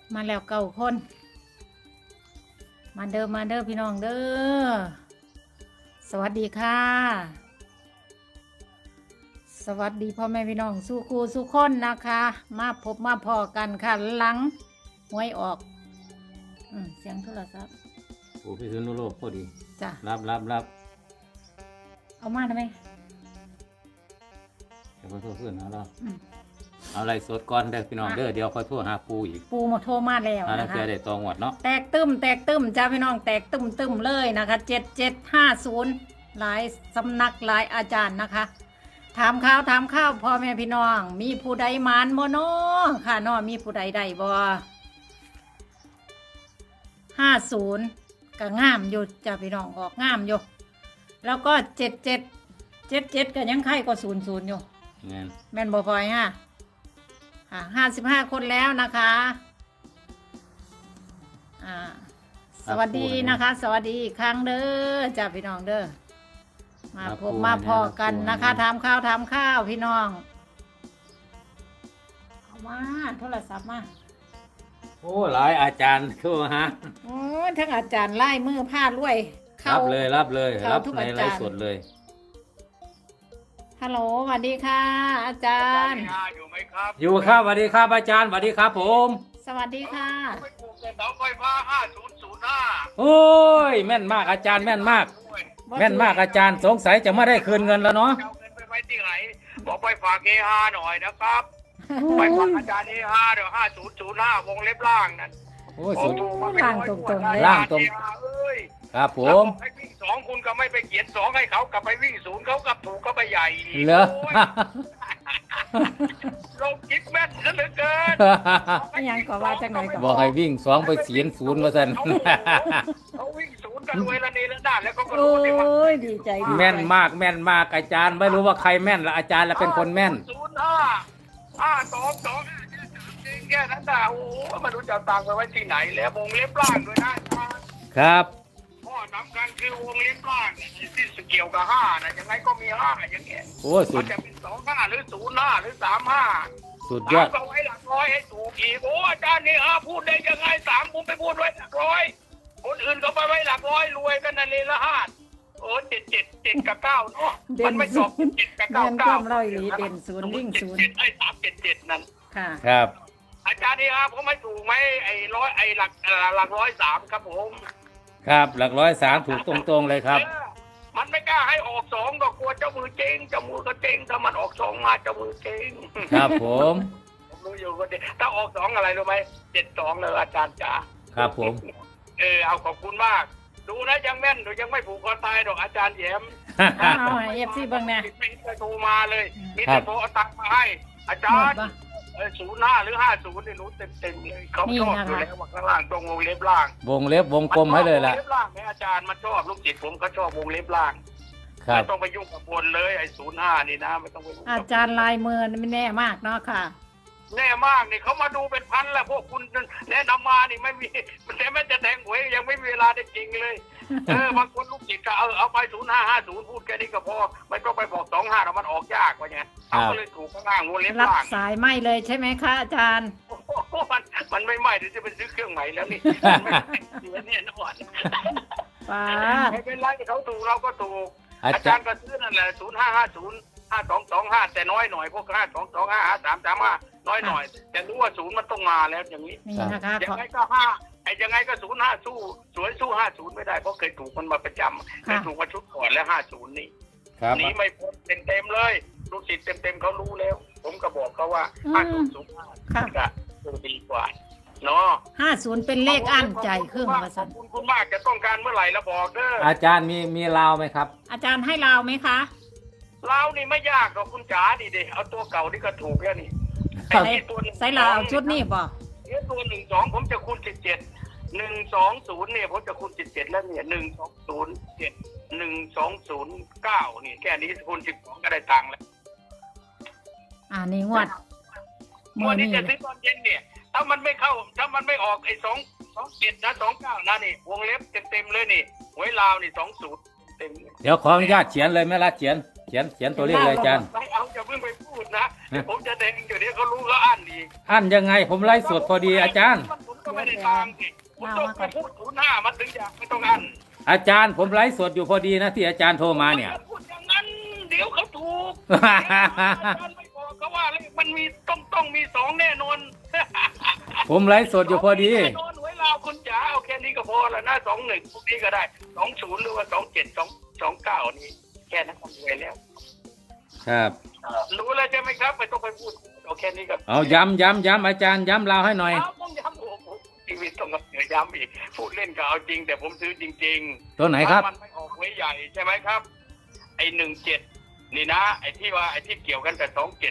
มาแล้วเก้าคน มาเด้อพี่น้องเด้อสวัสดีค่ะ สวัสดีพ่อแม่พี่น้องสู้ครูสู้คนนะคะ มาพบมาพอกันค่ะหลังหวยออกเสียงโทรศัพท์โอ้พี่สุนุโลกพอดีจ้ะรับเอามาทำไมเดี๋ยวขอโทษเพื่อนนะเราเอาอะไรสดก่อนเด้อพี่น้องเด้อเดี๋ยวค่อยโทรหาปูอีกปูมาโทรมาแล้วถ้านะคะเจอได้ตองหวดเนาะแตกตึมจ้าพี่น้องแตกตึมเลยนะคะ7750หลายสำนักหลายอาจารย์นะคะถามข้าวพ่อแม่พี่น้อง มีผู้ใดมานบ่น้อค่ะน้อมีผู้ใดได้บ่50ก็งามอยู่จ้าพี่น้องออกงามอยู่แล้วก็77ก็ยังไข่ก็00อยู่เงี้ยแม่นบ่พลอยฮะ55 คนแล้วนะคะสวัสดีนะคะ สวัสดีอีกครั้งเด้อจ้าพี่น้องเด้อมาพบมาพอกันนะคะทำข้าวพี่น้องเอามาโทรศัพท์มาโอ้หลายอาจารย์เข้ามาฮะโอ้ยทั้งอาจารย์ไล่มือผ้ารวยรับเลยรับทุกในอาไลจารย์ฟ์สดเลยฮัลโหลสวัสดีค่ะ อาจารย์อยู่ไหมครับอยู่ครับสวัสดีครับอาจารย์สวัสดีครับผมสวัสดีค่ะไม่ปลูกแต่เสาไฟฟ้า5005 โอ้ยแม่นมากอาจารย์แม่นมาก แม่นมากอาจารย์สงสัยจะไม่ได้คืนเงินแล้วเนาะเอาเงินไปไว้ที่ไหนบอกไปฝากเอฮาหน่อยนะครับไปฝากอาจารย์เอฮาเดี๋ยว5005วงเล็บล่างนั่นโอ้ยสุดล่างตรงๆเลยล่างตรงเอ้ยครับผแล้วมบอกให้วิ่ง2คุณก็ไม่ไปเขียน2ให้เขากลับไปวิ่ง0เขากลับถูกก็ไปใหญ่เหรอโยลงคิดแม่นซะเหลือเกินยังก็ว่าจังไหนก็บอกให้วิ่ง2ไปเสียน0มาสั่นเขาวิ่ง0กันรวยละนี่ละด้านแล้วก็โอ้รู้ดิว่ายดีใจดีใจแม่นมากอาจารย์ไม่รู้ว่าใครแม่นละอาจารย์ละเป็นคนแม่น 0552จริงแค่นั้นน่ะโอ้โหไม่รู้จะเอาตังค์ไปไว้ที่ไหนแล้ววงเล็บล่างด้วยนะครับ ข้อสำคัญคือวงเล็บล่างที่เกี่ยวกับ5นะยังไงก็มี5อย่างเงี้ยโอ้ยสุมัดนจะเป็น25หรือ05หรือ35 สุดยอดก็ไว้หลักร้อยให้ถูกอีกโอ้อาจารย์นี่พูดได้ยังไง3ผมไปพูดไว้หลักร้อยคนอื่นก็ไปไว้หลักร้อยรวยกันนั่นเลยละ5โอ้7กับ9เนาะมันไม่จบ7กับเด่น 9 ความร้อยหลีเด่นศูนย์วิ่งศูนย์ไอ้377นั่นค่ะครับอาจารย์นี่ผมไม่ถูกไหมไอ้หลัก103ครับผมครับหลัก103ถูกตรงๆเลยครับมันไม่กล้าให้ออก2ก็กลัวเจ้ามือเจ๊งเจ้ามือก็เจ๊งถ้ามันออก2มาเจ้ามือเจ๊งครับผมผมรู้อยู่ก็ดีถ้าออก2อะไรรู้ไหม72เลยอาจารย์จ๋าครับผมเอาขอบคุณมาก ดูนะยังแม่นหนูยังไม่ผูกคอตายดอกอาจารย์แย้มเอาให้ FC เบิ่งแน่ไม่เคยโทรมาเลยมีแต่โทรเอาตังค์มาให้ อาจารย์ 05หรือ50นี่หนูเต็มเลยเขาชอบอยู่แล้วว่าข้างล่างตรงวงเล็บล่างวงเล็บวงกลมให้เลยล่ะวงเล็บล่างไหมอาจารย์มันชอบลูกศิษย์ผมก็ชอบวงเล็บล่างครับไม่ต้องไปยุ่งกับบนเลยไอ้05นี่นะไม่ต้องไปยุ่งอากับจารย์ลายมือไม่แน่มากเนาะค่ะแน่มากนี่เขามาดูเป็นพันแล้วพวกคุณแนะนำมานี่ไม่มีมันแต่ไม่จะแทงหวยยังไม่มีเวลาได้จริงเลยบางคนลูกศิษย์ก็เอาไป0550พูดแค่นี้ก็พอไม่ต้องไปบอก25แล้วมันออกยากว่าไงเขาก็เลยถูกข้างล่างวงเล็บรับล่างสายไม่เลยใช่ไหมคะอาจารย์โอ้โหมันไม่ไหม้เดี๋ยวจะไปซื้อเครื่องใหม่แล้วนี่เสียเนี่ยนะวันป้าดไม่เป็นไรเขาถูกเราก็ถูกอาอาจาจารรย์ย์ก็ซื้อนั่นแหละ05505225แต่น้อยหน่อยพวก52355335น้อยหน่อย แต่รู้ว่า0มันต้องมาแล้วอย่างนี้นี่นะคะยัของไงก็ยังไงก็05สู้สวยสู้50ไม่ได้เพราะเคยถูกมันมาประจำเคยถูกมาชุดก่อนแล้ว50นี่ครับหนีไม่พ้นเต็มเลยลูกศิษย์เต็มเขารู้แล้ว ผมก็บอกเขาว่า5005 ค่ะก็ดีกว่าเนาะ 50เป็นเลขอั้นใจเครื่องว่าขซั่อน บคุณมากจะต้องการเมื่อไหร่แล้วบอกเด้ออาจารย์มีลาวไหมครับอาจารย์ให้เราไหมคะเรานี่ไม่ยากหรอกคุณจ๋าดิเดเอาตัวเก่านี่ก็ถูกแล้วนี่ใส่ใส่เราเอาชุดนี้บ่เนี่ยตัว12ผมจะคูณ17 120เนี่ยผมจะคูณ17แล้วเนี่ย1207 1209นี่แค่นี้คูณ12ก็ได้ตังค์แล้วนี่งวดงวดนี้จะซื้อตอนเย็นเนี่ยถ้ามันไม่เข้าถ้ามันไม่ออกไอ้27นะ29นะนี่วงเล็บเต็มเลยนี่หวยลาวนี่20เต็มเดี๋ยวขออนุญาตเขียนเลยไหมล่ะเขียนตัวเลขเลยอาจารย์ไม่เอาอย่าเพิ่งไปพูดนะเดี๋ยวผมจะแดงเดี๋ยวนี้เขารู้เขาอ่านดีอันยังไงผมไล่สดพอดีอาจารย์มันหมุนก็ไม่ได้ตามสิคุณต้องไปพูด05มันถึงอย่างไม่ต้องอันอาจารย์ผมไลฟ์สดอยู่พอดีนะที่อาจารย์โทรมาเนี่ยพูดอย่างนั้นเดี๋ยวเขาถูกอาจารย์ไม่บอกเขาว่าเลขมันมีต้องมี2แน่นอนผมไลฟ์สดอยู่พอดีแน่นอนหวยลาวคุณจ๋าเอาแค่นี้ก็พอแล้วนะ21พวกนี้ก็ได้20หรือว่า27 29นี่แค่นั้นก็รวยแล้วครับรู้แล้วใช่ไหมครับไม่ต้องไปพูดเอาแค่นี้ก็เอาย้ำอาจารย์ย้ำเราให้หน่อยต้องย้ำโอ้โหชีวิตต้องย้ำอีกพูดเล่นก็เอาจริงแต่ผมซื้อจริงๆตัวไหนครับมันไม่ออกหวยใหญ่ใช่ไหมครับไอ้17นี่นะไอ้ที่เกี่ยวกันกับ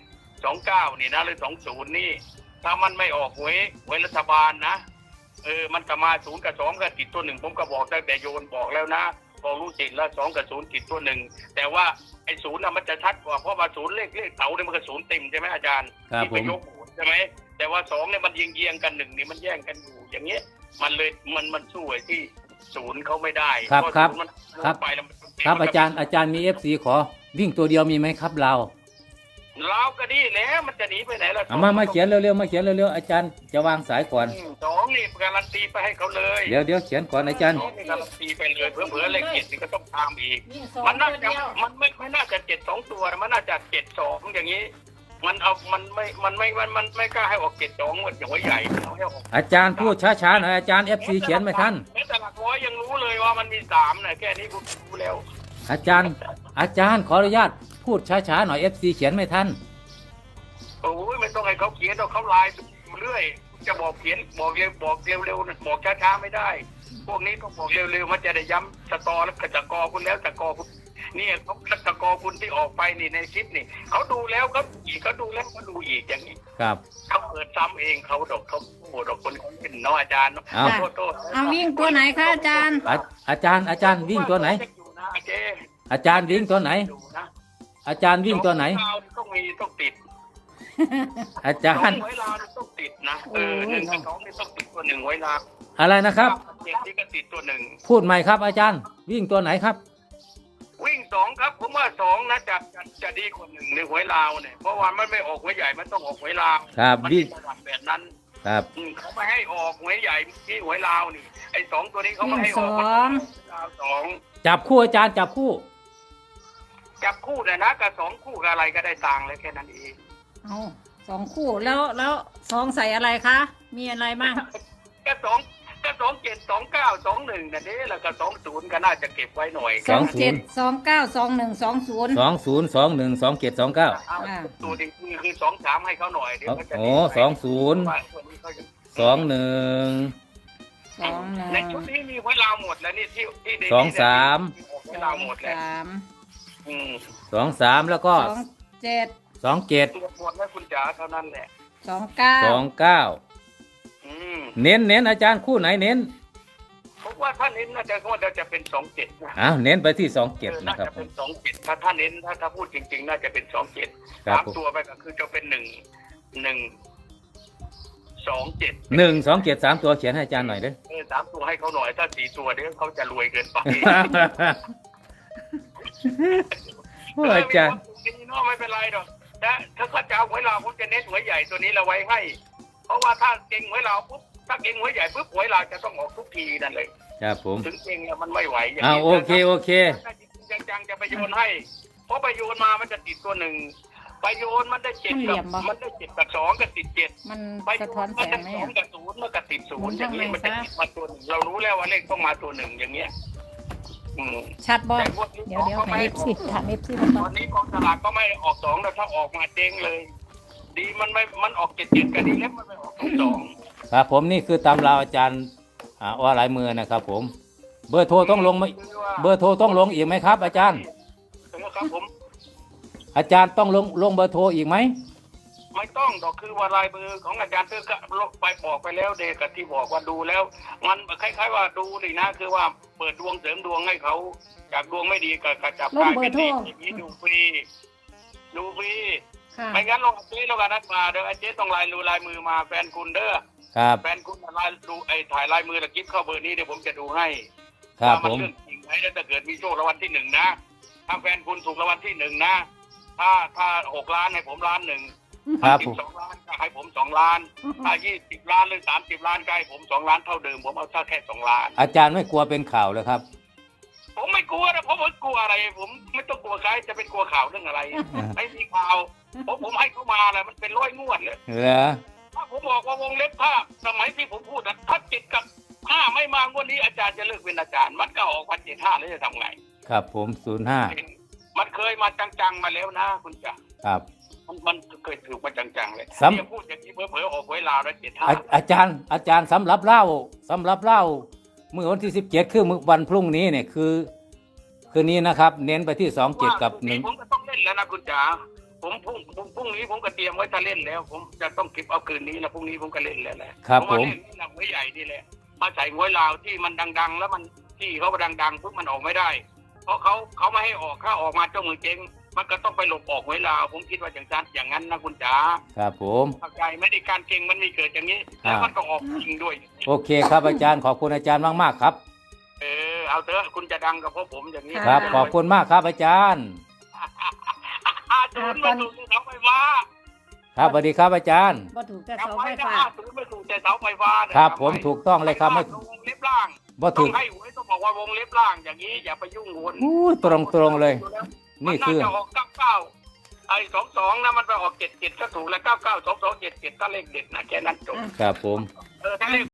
27 29นี่นะหรือ20นี่ถ้ามันไม่ออกหวยรัฐบาลนะมันก็มา0กับ2ก็ติดตัว1ผมก็บอกตั้งแต่โยนบอกแล้วนะบอกรู้จิตแล้ว2กับ0ติดตัว1แต่ว่าไอ้0น่ะมันจะชัดกว่าเพราะว่า0เลขเต๋าเนี่ยมันก็0เต็มใช่ไหมอาจารย์ครับที่ไปยกหูใช่ไหมแต่ว่า2เนี่ยมันเยียงกัน1นี่มันแย่งกันอยู่อย่างเงี้ยมันเลยมันสู้ไอ้ที่0เขาไม่ได้ครับเพาะครับ 0มันครับไปแล้วมันครับอาจารย์มี FC ขอวิ่งตัวเดียวมีไหมครับเราเราก็ดีแล้วมันจะหนีไปไหนล่ะเอามาเขียนเร็วๆอาจารย์จะวางสายก่อน 2นี่การันตีไปให้เขาเลยเดี๋ยวเขียนก่อนอาจารย์ 2นี่การันตีไปเลยเผื่อเลข7นี่ก็ต้องตามอีกนี่สองมันน่าตัวจะเดียวมันไม่น่าจะ7 2ตัวมันน่าจะ7 2อย่างนี้ มันไม่กล้าให้ออก7 2เหมือนอย่างไว้ใหญ่เอาให้ออกอาจารย์พูดช้าๆหน่อยอาจารย์ FC เขียนไม่ทันแม้แต่หลักร้อยยังรู้เลยว่ามันมี3นะแค่นี้คุณรู้แล้วอาจารย์ขออนุญาตพูดช้าๆหน่อย FC เขียนไม่ทันโอ้ยไม่ต้องให้เขาเขียนเขาไลน์เรื่อยจะบอกเขียนบอกเร็วบอกช้าๆไม่ได้ พวกนี้ต้องบอกเร็วๆมันจะได้ย้ำสตอแล้วก็จะกอคุณแล้วจะกอคุณเนี่ยเขาตะกอคุณที่ออกไปนี่ในคลิปนี่เขาดูแล้วเขาดูแล้วเขาดูอีกอย่างนี้ครับเขาเปิดซ้ำเองเขาโหดอกคนเขาเป็นน้องอาจารย์เอาโทษเอาวิ่งตัวไหนคะอาจารย์อาจารย์วิ่งตัวไหนอยู่นะเจ๊อาจารย์วิ่งตัวไหนอยู่นะอาจารย์วิ่งตัวไหนต้องติดอาจารย์ไว้ลาวต้องติดนะ1 กับ 2นี่ต้องติดตัว1ไว้ลาวอะไรนะครับเจ็ดที่ก็ติดตัว1 พูดใหม่ครับอาจารย์วิ่งตัวไหนครับวิ่ง2ครับผมว่า2นะจะดีกว่า1ในหวยลาวเนี่ยเพราะว่ามันไม่ออกหวยใหญ่มันต้องออกหวยลาวครับมันวิ่งเป็นระดับแบบนั้นครับเขาไม่ให้ออกหวยใหญ่ที่หวยลาวนี่ไอ้2ตัวนี้เขาไม่ให้ออกวิ่งสองลาว2 จับคู่อาจารย์จับคู่จับคู่นะกับ2คู่กับอะไรก็ได้ตังค์เลยแค่นั้นเองเอา2 คู่แล้ว2ใส่อะไรคะมีอะไรบ้างก็2 7 2 9 2 1นั่นเองแล้วก็20ก็น่าจะเก็บไว้หน่อย 27 29 21 20 20212729 ตัวนี้คือ2 3ให้เขาหน่อยเดี๋ยวเขาจะโอ้20 21 ในชุดนี้มีหวยลาวหมดแล้วนี่ที่เด็ก 23 หวยลาวหมดแล้ว 23แล้วก็ 27 27 ตัวหมดแล้วคุณจ๋าเท่านั้นแหละ 29 29เน้นอาจารย์คู่ไหนเน้นผมว่าถ้าเน้นน่าจะเป็น27นะอ้าวเน้นไปที่27 น่านะครับจะเป็น27ถ้าเน้นถ้าพูดจริงๆน่าจะเป็น27 ครับตามตัวไปก็คือจะเป็น1 27 127 3ตัวเขียนให้อาจารย์หน่อยเด้อ 3ตัวให้เขาหน่อยถ้า4ตัวเดี๋ยวเขาจะรวยเกินไปโอ้อาจารย์ไม่เป็นไรหรอกนะถ้าเขาจะเอาหวยลาวผมจะเน้นหวยใหญ่ตัวนี้เราไว้ให้ เพราะว่าถ้าเก่งหวยลาวปุ๊บถ้าเก่งหวยใหญ่ปุ๊บหวยลาวจะต้องออกทุกทีนั่นเลยครับผมถึงเก่งแล้วมันไม่ไหวอย่างอ้าวนี้โอเคถ้าจริงๆจังๆจะไปโยนให้เพราะไปโยนมามันจะติดตัว1ไปโยนมันได้7กับ2กับติด7 มันไปสะโยท้อนนแสมันจะงไหม 2กับ0มันก็ติด0อย่างนี้มันจะติดมาตัว1เรารู้แล้วว่าเลขต้องมาตัว1อย่างเงี้ยชัดบ่แต่พวกนี้เดี๋ยวให้ FC ถาม FC มาตก่ออน นนี้กองสลากก็ไม่ออก2แล้วถ้าออกมาเจ๊งเลย ดีมันออก77กันดีแล้วมันไม่ออก2 ครับผมนี่คือตำราอาจารย์ว่าหลายมือนะครับผมเบอร์โทรต้องลงไหมเบอร์โทรต้องลงอีกไหมครับ อาจารย์ครับผมอาจารย์ต้องลงเบอร์โทรอีกไหมไม่ต้องดอกคือว่าลายมือของอาจารย์เตอร์ก็ไปบอกไปแล้วเด็กกับที่บอกว่าดูแล้ว มันคล้ายๆว่าดูนี่นะคือว่าเปิดดวงเสริมดวงให้เขาจากดวงไม่ดีก็จับกลายเป็นดีอย่างนี้ดูฟรีค่ะไม่งั้นลงเจ๊ลงกันนัดมาเดี๋ยวเจ๊ต้องลายมือมาแฟนคุณเด้อครับแฟนคุณดูถ่ายลายมือตะกิ๊บเข้าเบอร์นี้เดี๋ยวผมจะดูให้ครับว่าผมเรื่องจริงไหมแล้วถ้าเกิดมีโชครางวัลที่1นะถ้าแฟนคุณถูกรางวัลที่1นะถ้า6 ล้านให้ผม1 ล้านครับผม 12 ล้านก็ให้ผม2 ล้านถ้า20 ล้านหรือ30 ล้านก็ให้ผม2 ล้านเท่าเดิมผมเอาแค่2 ล้านอาจารย์ไม่กลัวเป็นข่าวเลยครับผมไม่กลัวนะผมไม่กลัวอะไร ผมไม่ต้องกลัวใครจะเป็นกลัวข่าวเรื่องอะไร ไม่มีข่าวผมให้เขามาเลยมันเป็น100 งวดเลยเหรอถ้าผมบอกว่าวงเล็บผ้าสมัยที่ผมพูดนะถ้า7 กับ 5ไม่มางวดนี้อาจารย์จะเลิกเป็นอาจารย์มันก็ออกวัน75แล้วจะทำไงครับผม05 มันเคยมาจังๆมาแล้วนะคุณจ๋าครับมันเคยถูกมาจังๆเลยซ้ำเนี่ยพูดอย่างนี้เผลอๆออกไว้ลาวแล้วอาจารย์สำหรับเล่าเมื่อวันที่17คือมื้อวันพรุ่งนี้เนี่ยคือนี้นะครับ เน้นไปที่27กับ1 ผมก็ต้องเล่นแล้วนะคุณจ๋าผมพรุ่งนี้ผมก็เตรียมไว้จะเล่นแล้ว ผมจะต้องเก็บเอาคืนนี้แล้วพรุ่งนี้ผมก็เล่นแล้วแหละครับเพาะผว่าม เล่นนี่หนังไว้ใหญ่นี่แหละมาใส่หวยลาวที่มันดังๆ แล้วมันที่เขาดังๆปุ๊บมันออกไม่ได้ เพราะเขาไม่ให้ออกถ้าออกมาเจ้ามือเจ๊งมันก็ต้องไปหลบออกหวยลาวผมคิดว่าอย่างนั้นนะคุณจ๋าครับผมเข้าใจไม่ได้การเก่งมันมีเกิดอย่างนี้แล้วมันก็ออกจริงด้วยโอเคครับอาจารย์ขอบคุณอาจารย์มากๆครับเอาเถอะคุณจะดังกับพวกผมอย่างนี้ครับขอบคุณมากครับอาจารย์ 50มาถูกเสาไฟฟ้าครับสวัสดีครับอาจารย์บ่ถูกแต่จำเสาไว้ไฟนะฟ้า 50ไม่ถูกแต่เสาไฟฟ้านะครับผมถูกต้องเลยครับไม่วงเล็บล่างบ่ต้ถูอก งให้หวยต้องบอกว่าวงเล็บล่างอย่างนี้อย่าไปยุ่งหวนอู้ตรงเลย นี่คือมัาจะออก99ไอ้22นะมันไปออก77ก็ถูกแล้ว99 22 77ก็เลขเด็ดนะแค่นั้นจบครับผมถ้าเลข